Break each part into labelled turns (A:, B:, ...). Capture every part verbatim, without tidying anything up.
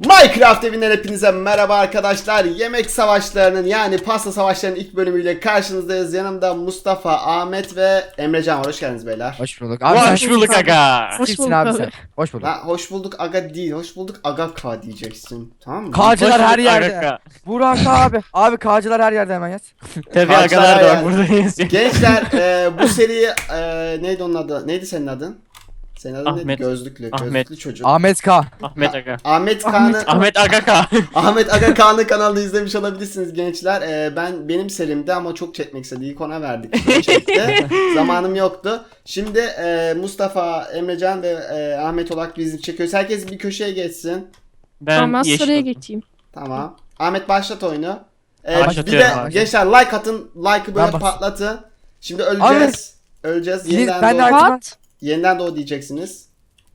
A: Minecraft evinden hepinize merhaba arkadaşlar. Yemek savaşlarının yani pasta savaşlarının ilk bölümüyle karşınızdayız. Yanımda Mustafa, Ahmet ve Emrecan var. Hoş geldiniz beyler.
B: Hoş bulduk.
C: Abi,
B: sen
C: hoş bulduk
B: kimsin?
C: aga.
B: Hoş
D: Hoş
B: kimsin
D: bulduk
B: abi
D: abi.
B: sen? Hoş bulduk.
A: Ha, hoş bulduk aga değil, hoş bulduk aga ka diyeceksin. Tamam mı?
B: Kağcılar
C: Hoş
B: her
C: bulduk
B: yerde.
C: aga.
B: Burak abi. Abi kağcılar her yerde hemen yaz.
C: Tabii
A: Kaçlar
C: agalar da var
A: yani.
C: buradayız.
A: Gençler e, bu seriyi e, neydi onun adı? Neydi senin adın? Senin adın neydi?
C: Ahmet.
A: Gözlüklü.
C: Ahmet.
A: Gözlüklü çocuk.
B: Ahmet K.
C: Ahmet aga.
A: Ahmet Kaan'ı
C: Ahmet aga ka.
A: Ahmet Aga Kaan'ın kanalını izlemiş olabilirsiniz gençler. Ee, ben benim serimde ama çok çekmek istedi. İlk ona verdik. Çok çekti. Zamanım yoktu. Şimdi e, Mustafa, Emrecan ve e, Ahmet olarak bizim çekiyoruz. Herkes bir köşeye geçsin.
C: Ben
D: Tamam ben
C: yeşil.
D: sıraya geçeyim.
A: Tamam. Ahmet başlat oyunu. Ee, bir
C: Başlatıyorum
A: de
C: abi.
A: gençler like atın. Like'ı böyle
B: Ben bas-
A: patlatın. Şimdi öleceğiz. Öleceğiz.
B: Siz-
A: Yeniden,
B: ben de
A: doğ-
B: artık-
D: Pat.
A: yeniden doğu diyeceksiniz.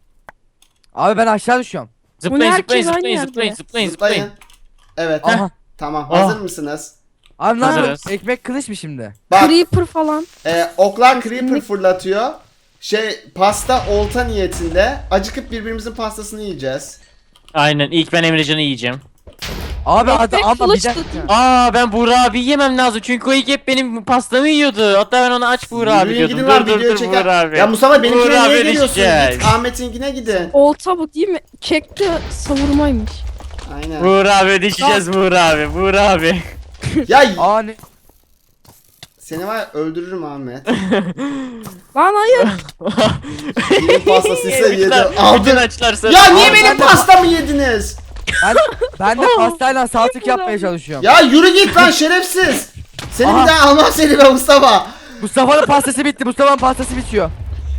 B: Abi ben aşağı düşüyorum.
C: Zıplayın
D: Bu
C: zıplayın
D: herkes
C: zıplayın
D: aynı
C: zıplayın
D: yerde.
C: zıplayın
A: Zıplayın.
C: zıplayın.
A: Evet.
B: Aha.
A: Tamam.
C: Ah.
A: Hazır mısınız?
B: Abi ne
C: Hazırız.
B: yapıyorsun? Ekmek kılıç mı şimdi?
A: Bak.
D: Creeper falan.
A: Ee, oklar creeper fırlatıyor. Şey pasta olta niyetinde. Acıkıp birbirimizin pastasını yiyeceğiz.
C: Aynen ilk ben Emrecan'ı yiyeceğim.
B: Abi
D: Ekmek
B: hadi ama bir
D: kılıç
B: dakika.
D: tutun.
C: Aa ben Buğra abi yemem lazım çünkü o ilk hep benim pastamı yiyordu. Hatta ben ona aç Buğra abi
A: Yürüyün
C: diyordum.
A: gidin lan
C: Dur dur
A: video
C: dur
A: çeker.
C: Buğra abi.
A: Ya Mustafa benimkine
C: Buğra
A: niye
C: abi
A: geliyorsun?
C: düşeceğiz.
A: Git Ahmet'inkine gidin.
D: Olta bu değil mi? Kekte savurmaymış.
A: Aynen.
C: Buğra abi düşeceğiz Buğra abi. Buğra abi.
A: Ya
B: Aa ne?
A: seni var ya öldürürüm Ahmet.
D: Lan hayır.
A: Benim pastasıysa yedim.
C: Bütün
A: Aldın.
C: açlar sarı.
A: Ya niye
B: Abi
A: benim
B: ben de-
A: pastamı yediniz?
B: Ben, ben de pastayla saltık yapmaya çalışıyorum.
A: Ya yürü git lan şerefsiz. Seni
B: Aha.
A: bir daha almam seni be Mustafa.
B: Mustafa'nın pastası bitti. Mustafa'nın pastası bitiyor.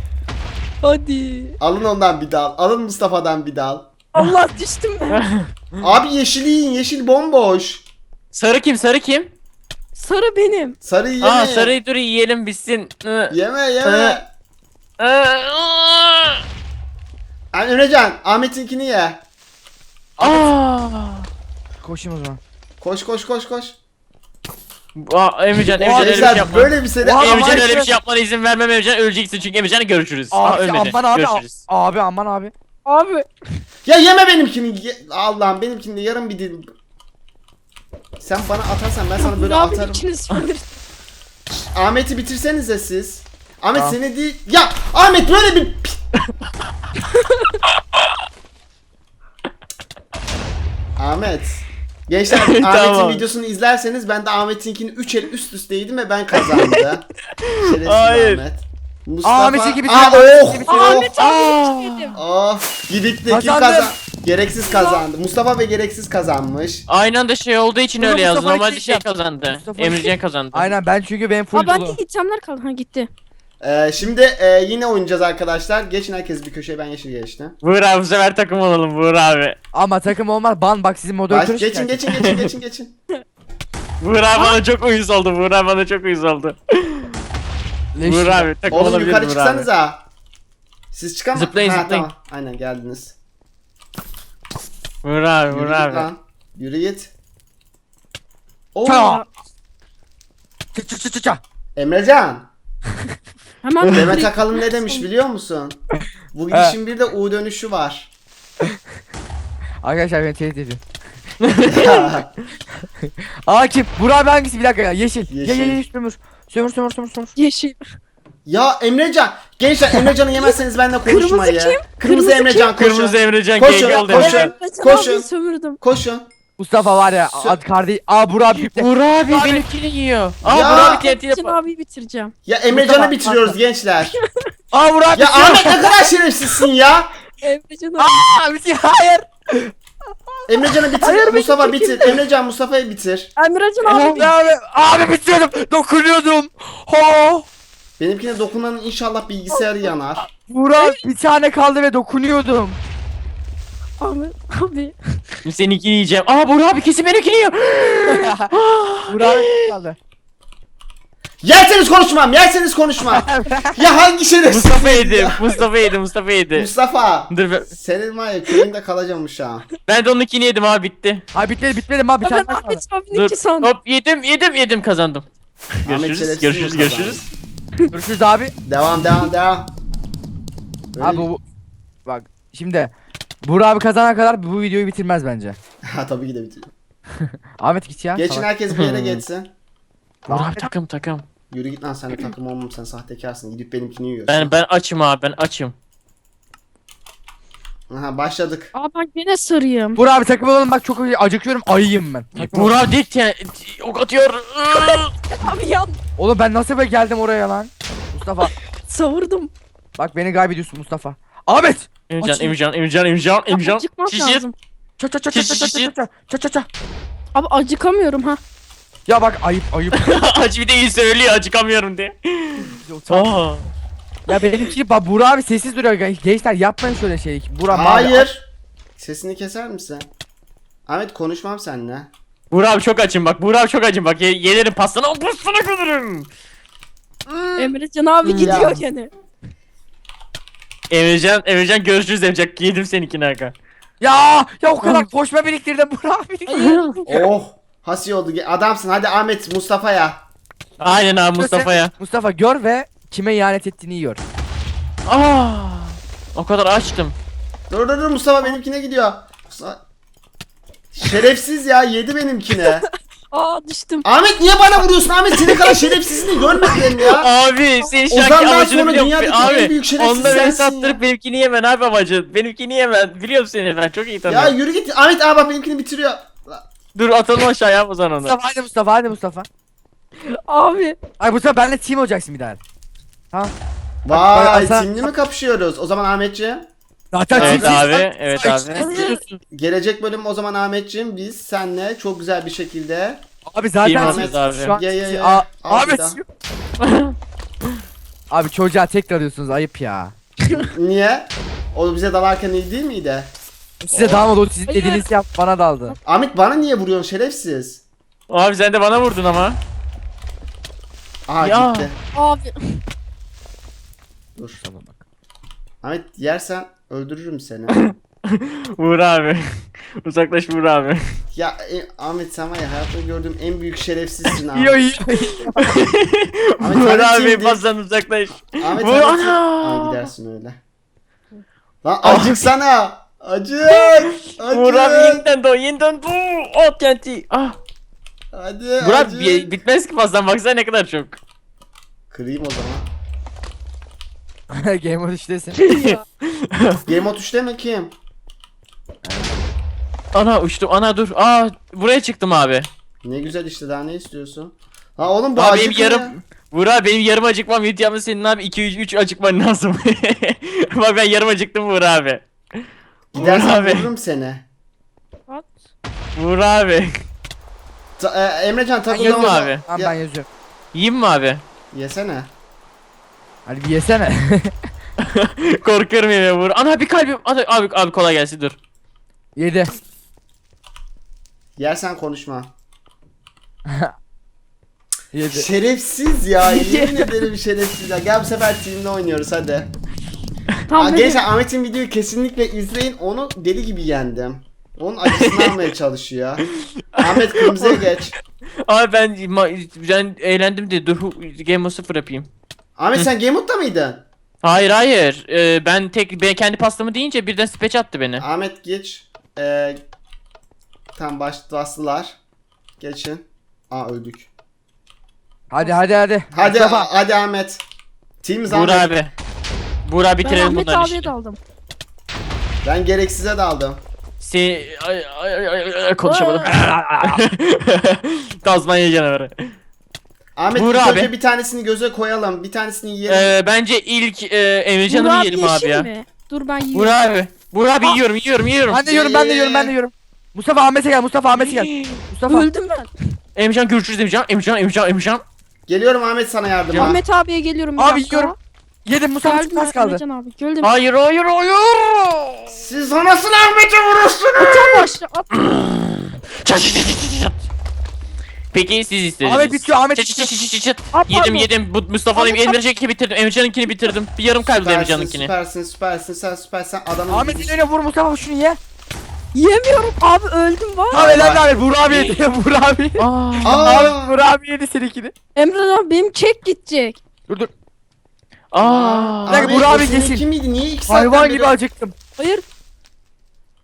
D: Hadi.
A: Alın ondan bir dal. Alın Mustafa'dan bir dal.
D: Allah düştüm ben.
A: Abi yeşil yiyin. Yeşil bomboş.
C: Sarı kim sarı kim?
D: Sarı benim.
A: Sarı yeme.
C: Aa sarıyı dur yiyelim bitsin. Hı.
A: Yeme yeme.
C: Hı. Aa.
A: Yani Emrecan Ahmet'inkini ye.
C: Aa.
B: Koşayım o zaman.
A: Koş koş koş koş.
C: Aa, Emrecan, Emrecan öyle bir şey
A: Gençler
C: yapma.
A: böyle bir seri.
B: Oha,
C: Emrecan
B: ama
C: öyle bir
B: işte-
C: şey yapmana izin vermem Emrecan öleceksin çünkü Emrecan'ı görüşürüz. Aa,
B: Abi
C: ölmedi.
B: aman abi.
C: Görüşürüz.
B: Abi aman abi.
D: Abi.
A: Ya yeme benimkini. Ye- Allah'ım benimkini de yarım bir dilim. Sen bana atarsan ben sana böyle
D: Bunu abi
A: atarım.
D: ikiniz söyleriz.
A: Ahmet'i bitirsenize siz. Ahmet
B: Tamam.
A: seni değil. Ya Ahmet böyle bir Ahmet. Gençler Ahmet'in
C: Tamam.
A: videosunu izlerseniz ben de Ahmet'inkini üç el üst üste yedim ve ben kazandım. Şerefsiz
C: Hayır.
A: Ahmet. Mustafa.
B: Aa, Ahmet'inki gibi
A: Aa,
B: değil,
A: oh,
B: Ahmet'inki gibi
A: oh,
D: Ahmet abi düşmedim.
A: oh. Gidik de kim
B: Kazandım.
A: kazan? Gereksiz kazandı. Mustafa ve gereksiz kazanmış.
C: Aynı anda şey olduğu için
B: Bunu
C: öyle yazdı.
B: Mustafa'ya
C: Normalde şey
B: gideceğim.
C: kazandı.
B: Mustafa'ya
C: Emrecan kazandı.
B: Aynen ben çünkü benim full
D: Aa ben de
B: dolu.
D: itemler kaldı. Ha gitti.
A: Ee, şimdi e, yine oynayacağız arkadaşlar. Geçin herkes bir köşeye, ben yeşil geçtim.
C: Buğra abi bu sefer takım olalım Buğra abi.
B: Ama takım olmaz. Ban bak sizin
A: Baş,
B: moderatörü
A: geçin
B: şikayet
A: geçin geçin geçin geçin.
C: Buğra abi bana çok uyuz oldu. Buğra abi bana çok uyuz oldu.
B: Leş.
C: Buğra abi takım
A: Oğlum
C: olabilir
A: yukarı
C: Buğra abi.
A: çıksanıza. Siz çıkamaz.
C: Zıplayın,
A: Ha,
C: zıplayın.
A: Tamam. Aynen geldiniz.
C: Buğra abi
A: Yürü
C: Buğra
A: git
C: abi.
A: lan. Yürü git. Oo.
B: Ça. Çı çı çı çı çı.
A: Emrecan.
D: Hemen
A: Demet Akalın ne demiş biliyor musun? Bu gidişin bir de U dönüşü var.
B: Arkadaşlar beni tehdit ediyor. Aa kim? Burak abi hangisi? Bir dakika ya. Yeşil.
A: Yeşil.
B: Ye ye ye sömür. Sömür sömür sömür sömür.
D: Yeşil.
A: Ya Emrecan. Gençler Emrecan'ı yemezseniz benimle konuşmayın.
D: Kırmızı kim?
A: Kırmızı
D: Kırmızı
A: Emrecan koşun.
C: Kırmızı Emrecan
A: Koşun,
C: G G oldu
A: koşun.
C: Emrecan.
D: Koşun.
A: Koşun.
D: Abi sömürdüm.
A: Koşun.
B: Mustafa var ya.
A: Sö-
B: Ad kardeş. Aa Burak abi bitti.
C: Buğra abi
B: Abi.
C: benimkini yiyor. Aa
A: Ya.
C: Buğra abi T N T
D: Can
C: yapar.
D: abi bitireceğim.
A: Ya Emrecan'ı
B: Mustafa,
A: bitiriyoruz gençler.
B: Aa Burak abi
A: Ya
B: bitiyor.
A: Ahmet ne kadar şerefsizsin ya.
D: Emrecan abi.
B: Aa bitiyor. Hayır.
A: Emrecan'ı bitir.
D: Hayır,
A: Mustafa
D: benim
A: bitir. Emrecan Mustafa'yı bitir.
D: Emrecan abi.
B: Abi, abi, abi bitiyordum. Dokunuyordum. Ho.
A: Benimkine dokunanın inşallah bilgisayarı yanar.
B: Burak bir tane kaldı ve dokunuyordum.
D: Abi. Abi.
C: Seninkini yiyeceğim. Aa Buğra abi kesin benimkini yiyor.
B: Burak abi kaldı.
A: Yerseniz konuşmam. Yerseniz konuşmam. Ya hangi şerefsiz?
C: Mustafa yedi. Mustafa yedi. Mustafa yedi.
A: Mustafa.
C: Dur ben,
A: Senin var ya köyünde kalacağım şu an.
C: ben de onunkini yedim abi bitti.
B: Ha bitmedi bitmedi ma bir
D: Ben
B: tane daha kaldı.
D: Ahmet abinin
C: Dur
D: iki sandım.
C: hop yedim yedim yedim kazandım.
A: Ahmet
C: Görüşürüz
A: şerefsiz
C: görüşürüz
A: mi
C: görüşürüz.
B: Görüşürüz abi.
A: Devam devam devam. Böyle-
B: Abi bu bak şimdi Buğra abi kazana kadar bu videoyu bitirmez bence.
A: Ha tabii ki de bitiyor.
B: Ahmet git ya.
A: Geçin
B: salak.
A: herkes bir yere geçsin.
C: Buğra abi takım takım.
A: Yürü git lan, sen de takım olmam, sen sahtekarsın. Gidip benimkini yiyorsun.
C: Ben ben açım abi ben açım.
A: Aha başladık.
D: Aa ben gene sarıyım.
B: Buğra abi takım olalım bak, çok acıkıyorum, ayıyım ben. Takım
C: Buğra abi dik yani ok atıyor.
D: Abi ya
B: Oğlum ben nasıl böyle geldim oraya lan? Mustafa
D: savurdum.
B: bak beni kaybediyorsun Mustafa. Ahmet!
C: Emircan
B: Açayım.
C: Emircan Emircan Emircan Emircan.
D: Acıkmam
C: Şişir.
D: lazım.
B: Ça ça ça ça ça ça ça ça ça ça.
D: Abi acıkamıyorum ha.
B: Ya bak ayıp ayıp.
C: Acı bir de iyi söylüyor acıkamıyorum diye. Aa.
B: Ya benimki bak Buğra abi sessiz duruyor. Gençler yapmayın şöyle şey. Buğra mavi-
A: Hayır. Sesini keser misin? Ahmet konuşmam seninle.
C: Buğra abi çok açım bak. Buğra abi çok açım bak. Ye yelerim pastana o pastana kalırım.
D: Emrecan abi
A: Ya.
D: gidiyor gene.
C: Emircan Emircan görüşürüz Emircan. Yedim seninkini Hakan.
B: Ya ya o kadar koşma biriktirdim Buğra abi.
A: Oh. Hasi oldu. Adamsın. Hadi Ahmet Mustafa'ya.
C: Aynen abi Mustafa'ya.
B: Mustafa gör ve kime ihanet ettiğini gör.
C: Aa. O kadar açtım.
A: Dur dur dur, Mustafa benimkine gidiyor. Mustafa... Şerefsiz ya, yedi benimkine.
D: Aa düştüm.
A: Ahmet niye bana vuruyorsun? Ahmet senin kadar şerefsizliğini görmedim ya.
C: Abi senin şu anki
A: Ozan'dan
C: amacını
A: sonra
C: biliyorum.
A: dünyadaki
C: Abi
A: en büyük şerefsiz
C: onda beni
A: sensin ya.
C: sattırıp benimkini yemen abi amacın. Benimkini yemen. Biliyorum seni ben çok iyi
A: Ya
C: tanıyorum.
A: yürü git. Ahmet abi bak benimkini bitiriyor.
C: Dur atalım aşağıya o zaman onu.
B: Mustafa hadi Mustafa hadi Mustafa.
D: Abi.
B: Ay Mustafa benle team olacaksın bir daha. Ha?
A: Vay,
B: Bak, bak,
A: timli mi kapışıyoruz? O zaman Ahmetciğim.
B: Zaten
C: Evet
B: team-
C: abi, evet abi.
A: Gelecek bölüm o zaman Ahmetciğim biz senle çok güzel bir şekilde.
B: Abi zaten
C: Team
B: siz-
C: atıyoruz abi.
B: şu an
A: Ye, ye, ye.
B: A-
A: Al bir
B: Ahmet.
A: daha.
B: Abi çocuğa tekrar arıyorsunuz ayıp ya.
A: Niye? O bize dalarken iyi değil miydi?
B: Size dalmadı o sizin
D: Hayır.
B: dediğinizi yap bana daldı.
A: Ahmet bana niye vuruyorsun şerefsiz?
C: Abi sen de bana vurdun ama.
A: Aha
C: Ya.
A: gitti.
D: Abi.
A: Dur. Ahmet yersen öldürürüm seni.
C: Vur abi. Uzaklaş vur abi.
A: Ya e, Ahmet sen var ya hayatta gördüğüm en büyük şerefsizsin abi.
B: Yo yo.
A: Ahmet
C: Vur
A: hadi
C: abi
A: şimdi.
C: pastan uzaklaş.
A: Ahmet
C: Vur
A: hadi.
C: ana.
A: Aa, gidersin öyle. Lan acık sana. Acık.
C: Vur abi
A: Acık.
C: yeniden doğ yeniden doğ. O T N T. Ah.
A: Hadi
C: Vur abi
A: acık.
C: bi- bitmez ki pastan baksana ne kadar çok.
A: Kırayım o zaman.
B: Game of üçtesin.
A: Game of üçte mi kim?
C: Ana uçtum ana dur. Aa buraya çıktım abi.
A: Ne güzel işte, daha ne istiyorsun? Ha oğlum bu
C: Abi
A: acık
C: benim
A: ya.
C: yarım Vur abi benim yarım acıkmam videomda senin abi iki üç üç acıkman lazım. Bak ben yarım acıktım Vur abi. Vur
A: Gidersen
C: abi.
A: vururum seni.
D: At.
C: Vur abi.
A: Ta- e, Emrecan
B: Ben
A: takıl
B: yazıyorum
C: abi.
B: Tamam
A: Ya-
B: ben yazıyorum.
C: Yiyeyim mi abi?
A: Yesene.
B: Hadi bir yesene.
C: Korkuyorum yemeğe vur. Ana bir kalbim. Ana, abi abi kolay gelsin dur.
B: Yedi.
A: Yersen konuşma.
B: Yedi.
A: Şerefsiz ya. Yemin ederim şerefsiz ya. Gel bu sefer team'le oynuyoruz hadi. Aa,
D: Tam böyle.
A: gençler Ahmet'in videoyu kesinlikle izleyin. Onu deli gibi yendim. Onun acısını almaya çalışıyor. Ahmet kırmızıya geç.
C: Abi ben ma- ben eğlendim de dur hu- Game of sıfır yapayım.
A: Ahmet sen Game Mode'da mıydın?
C: Hayır hayır. Ee, ben tek ben kendi pastamı deyince birden speç attı beni.
A: Ahmet geç. Ee, tam baş bastılar. Geçin. Aa öldük.
B: Hadi hadi hadi.
A: Hadi
B: Mustafa.
A: hadi Ahmet. Team
C: Vur
A: Ahmet.
C: abi. Vur abi
D: Ben
C: bitirelim
D: Ahmet
C: bunları
D: abiye
C: işte.
D: daldım.
A: Ben gereksize daldım.
C: Se ay, ay, ay, ay, ay, konuşamadım. Tazmanya canavarı.
A: Ahmet
C: Vur
A: ilk
C: abi.
A: önce bir tanesini göze koyalım. Bir tanesini yiyelim.
C: Ee, bence ilk e, Emrecan'ı
D: Burak
C: yiyelim abi
D: yeşil
C: ya.
D: mi? Dur ben
C: Vur
D: yiyorum.
C: abi. Vur abi
B: Ah!
C: yiyorum yiyorum yiyorum.
B: Ben de yiyorum ben de yiyorum ben de yiyorum. Mustafa Ahmet'e gel Mustafa Ahmet'e gel. Mustafa.
D: Öldüm ben.
C: Emrecan görüşürüz Emrecan. Emrecan Emrecan Emrecan.
A: Geliyorum Ahmet sana yardıma.
D: Ahmet abiye geliyorum bir
B: Abi
D: dakika.
B: yiyorum. Yedim Mustafa
D: Geldim
B: çok az kaldı.
D: Emrecan abi. Geldim.
C: Hayır hayır hayır.
A: Siz nasıl Ahmet'e vurursunuz?
D: Tam başla at.
C: Çat, çat, çat, çat, çat. Peki siz istediniz.
B: Ahmet bitiyor, Ahmet
C: Çat, çat, çat, çat, çat, çat.
D: At,
C: Yedim
D: pardon.
C: yedim. Bu Mustafa'nın
D: Ahmet,
C: Emrecan'ınkini bitirdim. Emrecan'ınkini bitirdim. Bir yarım kaldı
A: Süpersin,
C: Emrecan'ınkini.
A: süpersin, süpersin, sen süpersin. Adamın
B: Ahmet
A: gibi-
B: öyle vur Mustafa şunu ye.
D: Yemiyorum abi öldüm var.
B: Abi helal abi Buğra abi yedi. Buğra abi.
C: Aa.
A: Aa,
B: Abi Buğra abi yedi seninkini.
D: Emre abi benim çek gidecek.
B: Dur dur.
C: Aa.
B: Bir dakika,
A: Ahmet,
B: Burak
A: o
B: abi
A: senin
B: geçsin.
A: Kim miydi? Niye iki saatten
B: Hayvan
A: beri-
B: gibi acıktım.
D: Hayır.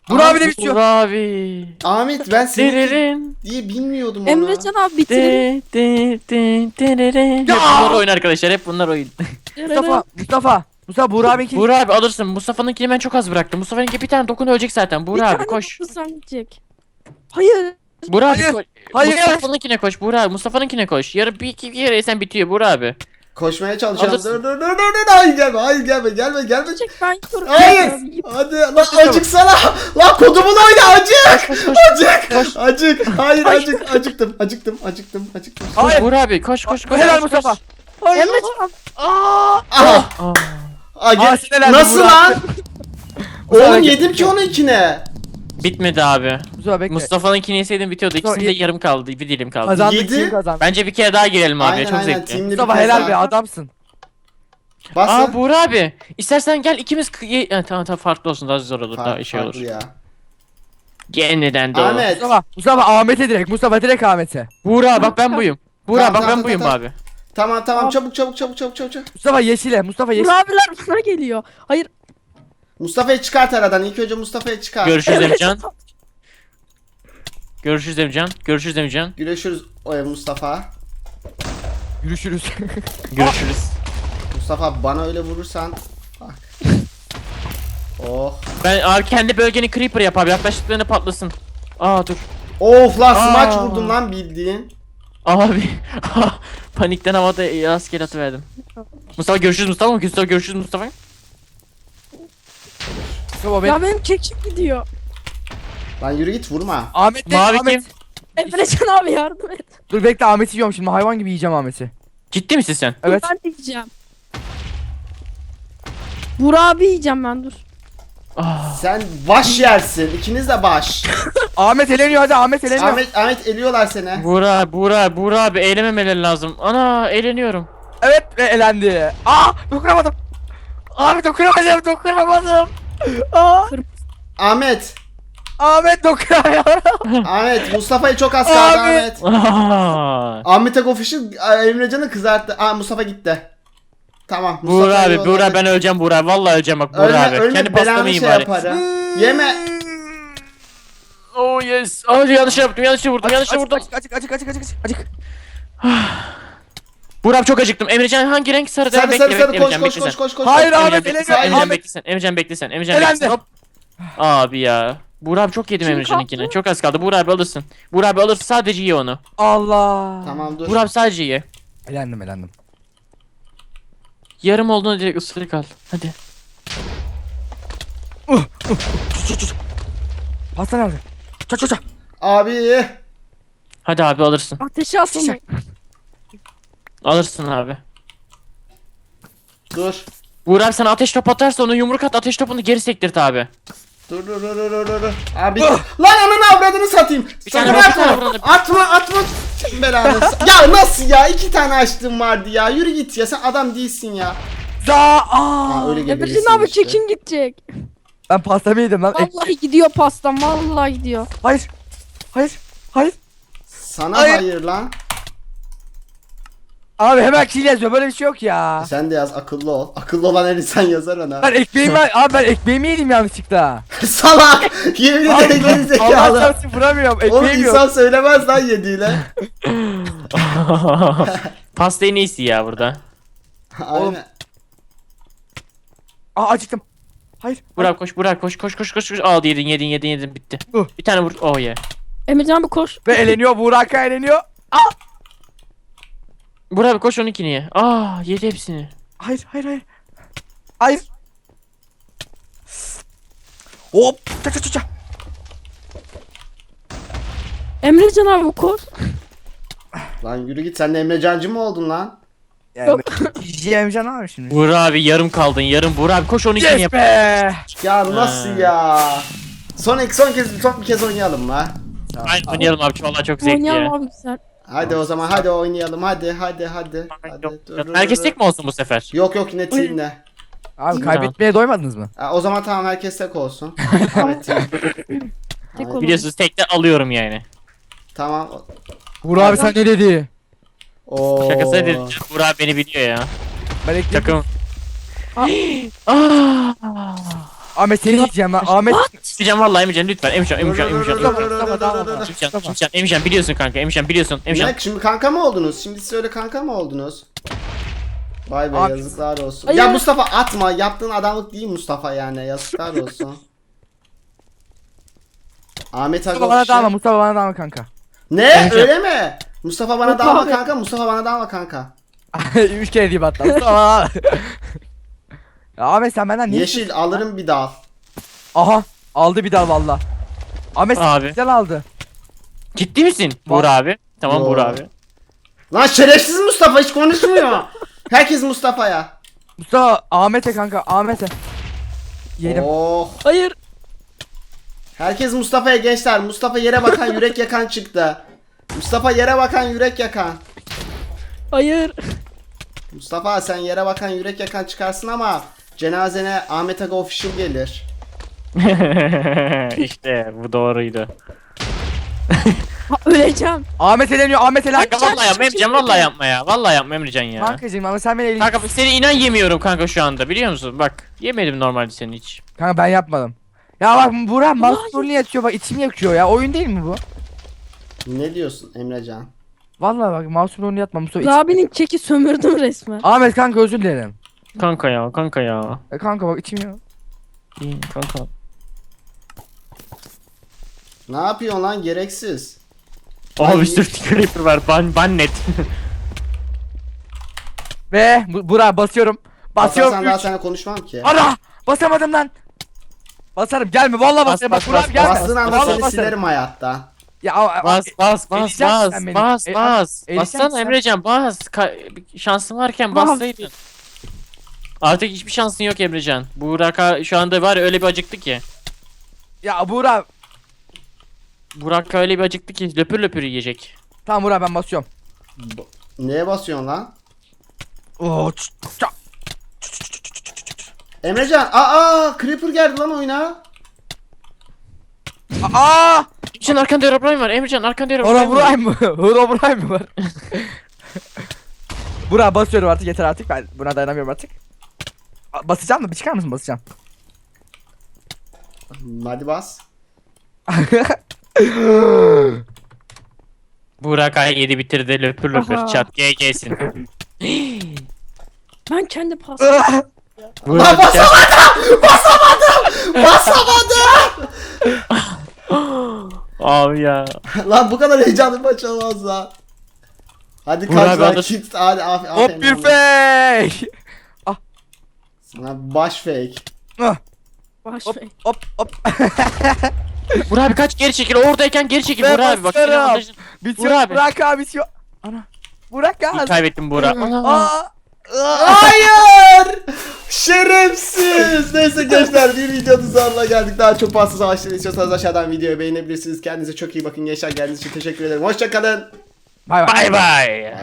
B: Burak abi de bitiyor.
C: Burak abi.
A: Ahmet ben seni
C: Dererin.
A: diye bilmiyordum onu.
D: Emrecan abi bitirelim.
C: De de de dererin. Hep
B: Ya!
C: bunlar oyun arkadaşlar. Hep bunlar oyun.
B: Mustafa, Mustafa. Mustafa Burak abi kim?
C: Burak abi alırsın. Mustafa'nınkini ben çok az bıraktım. Mustafa'nınki bir tane dokun ölecek zaten.
D: Bir
C: Burak abi
D: tane
C: koş.
D: dokuzdan gidecek. Hayır.
C: Burak abi
B: Hayır,
C: koş.
B: hayır.
C: Mustafa'nınkine koş. Burak abi Mustafa'nınkine koş. Yarın bir iki kere sen bitiyor Burak abi.
A: Koşmaya çalışıyorum.
C: Alırsın.
A: Dur dur dur dur dur. Hayır gelme. Hayır gelme. Gelme gelme.
D: Gidecek ben gidiyorum.
A: Hayır. Hadi lan acıksana. Lan kodumun oyna acık. Acık. Acık. Hayır acık. Acıktım. Acıktım. Acıktım. Acıktım.
C: Koş
B: Hayır.
C: Burak abi koş koş koş.
B: Helal
C: koş,
B: Mustafa.
C: koş.
B: Hayır.
D: Emrecan abi.
B: Aa!
A: Aha.
C: Aa.
A: Aa, gel-
B: Aa, sinirlendim
A: Nasıl
B: Burak.
A: lan?
B: Mustafa
A: Oğlum
B: gel.
A: yedim ki onu ikine.
C: Bitmedi abi.
B: Mustafa bekle.
C: Mustafa'nınkini yeseydim bitiyordu. İkisinde
B: ye-
C: yarım kaldı. Bir dilim kaldı.
B: Kazandık,
A: Yedi.
B: kim kazandı?
C: Bence bir kere daha girelim abi.
A: Aynen
C: Çok
A: aynen.
C: zevkli.
A: Teamli bir
B: Mustafa
A: kez
B: helal
A: daha.
B: be adamsın.
A: Bas
C: Aa
A: lan.
C: Buğra abi. İstersen gel ikimiz kı- ye- ha, tamam tamam farklı olsun daha zor olur daha
A: Farklı,
C: şey olur.
A: farklı ya.
C: Yeniden de o.
A: Ahmet.
B: Mustafa, Mustafa Ahmet'e direkt. Mustafa direkt Ahmet'e.
C: Buğra bak ben buyum. Buğra
A: Tamam,
C: bak
A: tamam,
C: ben buyum
A: tamam,
C: abi.
A: Tamam tamam
D: Tamam.
A: çabuk çabuk çabuk çabuk çabuk. çabuk.
B: Mustafa yeşile. Mustafa yeşil.
D: Burak abiler bana geliyor. Hayır.
A: Mustafa'yı çıkart aradan. İlk önce Mustafa'yı çıkar.
C: Görüşürüz Emrecan. Görüşürüz Emrecan. Görüşürüz Emrecan.
A: Görüşürüz o ev Mustafa.
B: Görüşürüz.
C: Görüşürüz.
A: Mustafa bana öyle vurursan bak. Oh.
C: Ben abi kendi bölgeni creeper yap abi yaklaştıklarında patlasın. Aa dur.
A: Of lan smaç
C: Aa.
A: vurdum lan bildiğin.
C: Abi panikten havada rastgele atıverdim. Mustafa görüşürüz Mustafa mı? Mustafa görüşürüz Mustafa.
B: Mustafa bekle.
D: Ya benim kekim gidiyor.
A: Lan yürü git vurma.
B: Ahmet de
C: Mavi
B: Ahmet.
C: kim?
D: Emrecan abi yardım et.
B: Dur bekle Ahmet'i yiyorum şimdi. Hayvan gibi yiyeceğim Ahmet'i.
C: Ciddi misin sen?
B: Evet.
D: Dur, ben de yiyeceğim. Burak abi yiyeceğim ben dur.
C: Ah.
A: Sen baş yersin. İkiniz de baş.
B: Ahmet eleniyor hadi Ahmet eleniyor.
A: Ahmet Ahmet eliyorlar seni.
C: Buğra, Buğra, Buğra abi eğlememeleri lazım. Ana eğleniyorum.
B: Evet ve elendi. Aa dokunamadım. Abi dokunamadım dokunamadım. Aa,
A: Ahmet.
B: Ahmet dokunamıyorum.
A: Ahmet Mustafa'yı çok az kaldı
B: Abi.
A: Ahmet.
C: Aa.
A: Ahmet'e Official Emrecan'ı kızarttı. Aa Mustafa gitti. Tamam.
C: Buğra
A: Mustafa'yı
C: abi,
A: yolladı.
C: Buğra ben öleceğim Buğra. Vallahi öleceğim bak Buğra
A: Ölme,
C: abi.
A: ölme
C: Kendi
A: belanı
C: pastamı
A: şey
C: yiyeyim bari.
A: yaparım. Yeme.
C: Oh yes. Hadi yanlış yaptım, yanlış vurdum, yanlış
B: Acık,
C: vurdum.
B: Acık acık acık acık acık acık.
C: Buğra abi çok acıktım. Emrecan hangi renk sarı?
A: Sarı
C: Bekle,
A: sarı
C: bekle,
A: sarı koş
C: Emrecan,
A: koş
C: bekle
A: koş
C: sen.
A: koş koş.
B: Hayır
A: koş.
B: Ahmet
C: Emrecan bekle sen,
B: eleniyor.
C: Emrecan
B: Ahmet.
C: bekle sen, Emrecan bekle sen, Emrecan
B: Elendi.
C: bekle sen. Hop. Abi ya. Buğra abi çok yedim
D: Kim
C: Emrecan'ınkini.
D: kaptı?
C: Çok az kaldı. Buğra abi alırsın. Buğra abi alırsın sadece ye onu.
B: Allah.
A: Tamam dur.
C: Buğra abi sadece ye.
B: Elendim elendim.
C: Yarım olduğunu direkt ısırık al. Hadi.
B: Pasta nerede? Çat çat çat.
A: Abi.
C: Hadi abi alırsın.
D: Ateşe asılmayın.
C: Alırsın abi.
A: Dur.
C: Buğra abi sana ateş top atarsa onu yumruk at ateş topunu geri sektirt abi.
A: Dur dur dur dur dur dur. Abi. Lan ananı avradını satayım.
C: Bir tane
A: Sakın
C: vur, bir
A: atma.
C: tane vur onu.
A: Atma atma. Belanı. Ya nasıl ya? İki tane açtım vardı ya. Yürü git ya. Sen adam değilsin ya.
B: Za aa.
A: Ha, öyle
D: Emrecan
A: geberisin
D: abi
A: işte.
D: kekim gidecek.
B: Ben pastamı yedim lan. Eh,
D: Vallahi gidiyor pastam. Vallahi gidiyor.
B: hayır. Hayır. Hayır.
A: Sana
B: Hayır.
A: hayır lan.
B: Abi hemen kill yazıyor. Böyle bir şey yok ya.
A: Sen de yaz akıllı ol. Akıllı olan her insan yazar ona.
B: Ben ekmeğimi abi ben ekmeğimi yedim yanlışlıkla.
A: Salak. Yemin
B: Abi,
A: ederim geri
B: Allah
A: zekalı.
B: çarpsın vuramıyorum.
A: Oğlum
B: Ekmeğim yok.
A: insan söylemez lan yediğiyle.
C: Pasta en iyisi ya burada.
A: Aynen.
B: Aa acıktım. Hayır.
C: Burak koş Burak koş koş koş koş koş. Al yedin yedin yedin yedin bitti.
B: Uh.
C: Bir tane vur. Oh yeah.
D: Emrecan abi koş.
B: Ve eleniyor. Burak'a eleniyor.
C: Burak abi koş onunkini ye. Aa yedi hepsini.
B: Hayır hayır hayır. Hayır. Hop. Çat çat çat, çat.
D: Emrecan abi koş.
A: Lan yürü git. Sen de Emrecancı mı oldun lan?
B: Yani yiyemeyeceğim abi şimdi.
C: Burak abi yarım kaldın yarım. Burak abi koş onunkini
B: Yes
C: yap.
B: be.
A: Ya nasıl
C: Ha.
A: ya? Son son kez son bir kez oynayalım la.
C: Aynen oynayalım abi vallahi çok zevkli
D: Oynayalım
C: ya.
D: abi güzel.
A: Hadi o zaman hadi oynayalım. Hadi hadi hadi. hadi.
C: Yok,
A: Dur,
C: yok.
A: dur,
C: Herkes
A: dur,
C: tek mi olsun bu sefer?
A: dur. Yok yok yine teamle.
B: Abi kaybetmeye doymadınız mı?
A: Ha, o zaman tamam herkes tek olsun. Ahmet team.
D: Tek
A: Ahmet-
D: olun.
C: Biliyorsunuz tekte alıyorum yani.
A: Tamam.
B: Burak abi sen ne dedi?
A: Oo.
C: Şakası dedim. Burak abi beni biliyor ya.
B: Ben ekledim.
C: Takım.
D: Aa.
C: Aa.
B: Ahmet seni yiyeceğim lan. Ahmet
C: Emrecan vallahi Emrecan lütfen Emrecan Emrecan Emrecan
B: Mustafa, Mustafa, tamam, tamam.
C: Emrecan Emrecan Emrecan biliyorsun kanka Emrecan biliyorsun Emrecan.
A: Ne? Şimdi kanka mı oldunuz? Şimdi siz öyle kanka mı oldunuz? Vay be
B: Abi-
A: yazıklar olsun.
D: Hayır.
A: Ya Mustafa atma. Yaptığın adamlık değil Mustafa yani. Yazıklar olsun. Ahmet Aga
B: Mustafa bana
A: Official.
B: dalma Mustafa bana dalma kanka.
A: Ne?
C: Emrecan.
A: Öyle mi? Mustafa bana
D: Yok
A: dalma
D: abi.
A: kanka. Mustafa bana dalma kanka.
B: Üç kere diyeyim hatta. Mustafa bana dalma. Ya Ahmet sen benden niye?
A: Yeşil alırım bir dal.
B: Aha aldı bir dal valla. Ahmet
C: Abi.
B: güzel aldı.
C: Ciddi misin Buğra abi? Tamam
A: Yo.
C: Buğra abi.
A: Lan şerefsiz Mustafa hiç konuşmuyor. Herkes Mustafa'ya.
B: Mustafa Ahmet'e kanka Ahmet'e. Yedim.
A: Oh.
D: Hayır.
A: Herkes Mustafa'ya gençler. Mustafa yere bakan yürek yakan çıktı. Mustafa yere bakan yürek yakan.
D: Hayır.
A: Mustafa sen yere bakan yürek yakan çıkarsın ama cenazene Ahmet Aga Official gelir.
C: İşte bu doğruydu.
D: Ha, öleceğim.
B: Ahmet eleniyor Ahmet eleniyor.
C: Kanka vallahi yapma Emrecan vallahi yapma ya. Vallahi yapma Emrecan ya.
B: Kankacığım ama sen beni elin.
C: Kanka seni inan yemiyorum kanka şu anda biliyor musun? Bak yemedim normalde seni hiç.
B: Kanka ben yapmadım. Ya bak Burak mouse niye yatıyor bak içim yakıyor ya oyun değil mi bu?
A: Ne diyorsun Emrecan?
B: Vallahi bak mouse rolünü yatma Mustafa iç-
D: Abinin keki sömürdüm resmen.
B: Ahmet kanka özür dilerim.
C: Kanka ya kanka ya.
B: E kanka bak içim ya.
C: İyi kanka.
A: Ne yapıyorsun lan gereksiz?
C: Oha bir sürü creeper var. Ban ban net.
B: Ve bu, Burak basıyorum. Basıyorum.
A: Basarsan daha
B: üç.
A: sana konuşmam ki.
B: Ara! Basamadım lan. Basarım gelme vallahi
C: Bas,
B: basarım.
C: bas,
B: Bak Burak
C: bas,
B: gelme.
A: Bastığın anda
B: Vallahi
A: seni
B: basarım.
A: silerim hayatta.
B: Ya a- a-
C: Bas bas bas
B: Eleyeceksin
C: bas
B: sen beni.
C: bas
B: E-
C: bas.
B: eleyeceksin
C: Bassana
B: sen.
C: Emrecan bas. Ka- bir şansın varken
D: Bas.
C: bassaydın. Artık hiçbir şansın yok Emrecan. Burak şu anda var ya öyle bir acıktı ki.
B: ya Burak.
C: Burak öyle bir acıktı ki löpür löpür yiyecek.
B: Tamam Burak ben basıyorum.
A: B- Neye basıyorsun lan?
B: Oo, ç- ç-
A: Emrecan aa Creeper geldi lan oyuna.
B: Aa!
C: Emrecan arkanda Herobrine var. Emrecan arkanda Herobrine
B: Ora
C: var.
B: Buray mı? Ora Buray mı var? Burak basıyorum artık yeter artık ben buna dayanamıyorum artık. A- Basacağım mı? Bir çıkar mısın basacağım?
A: Hadi bas.
C: Burak ay yedi bitirdi löpür löpür
D: Aha.
C: çat G G'sin.
D: Ben kendi pas.
A: Lan basamadım! Basamadım! Basamadım!
C: Abi ya.
A: Lan bu kadar heyecanlı bir maç olmaz lan. Hadi
C: Burak
A: kaç lan
C: abi,
A: kit hadi af
B: Hop
A: aferin
B: bir
A: oğlum.
B: fake.
A: Sana baş fake.
B: Ah,
D: Baş
B: Hop
D: ver.
B: hop hop.
C: Burak abi kaç geri çekil oradayken geri çekil
B: Ben
C: Burak abi bak
B: basarım.
C: senin avantajın.
B: Bitiyor
C: Burak abi.
B: Burak abi bitiyor. Ana. Burak abi.
C: Kaybettim Burak. Ana.
B: Aa. Aa.
A: Hayır! Şerefsiz! Neyse gençler bir videonun sonuna geldik. Daha çok pasta savaşları istiyorsanız aşağıdan videoyu beğenebilirsiniz. Kendinize çok iyi bakın gençler. Geldiğiniz için teşekkür ederim. Hoşçakalın.
B: Bay bay.
C: Bay bay.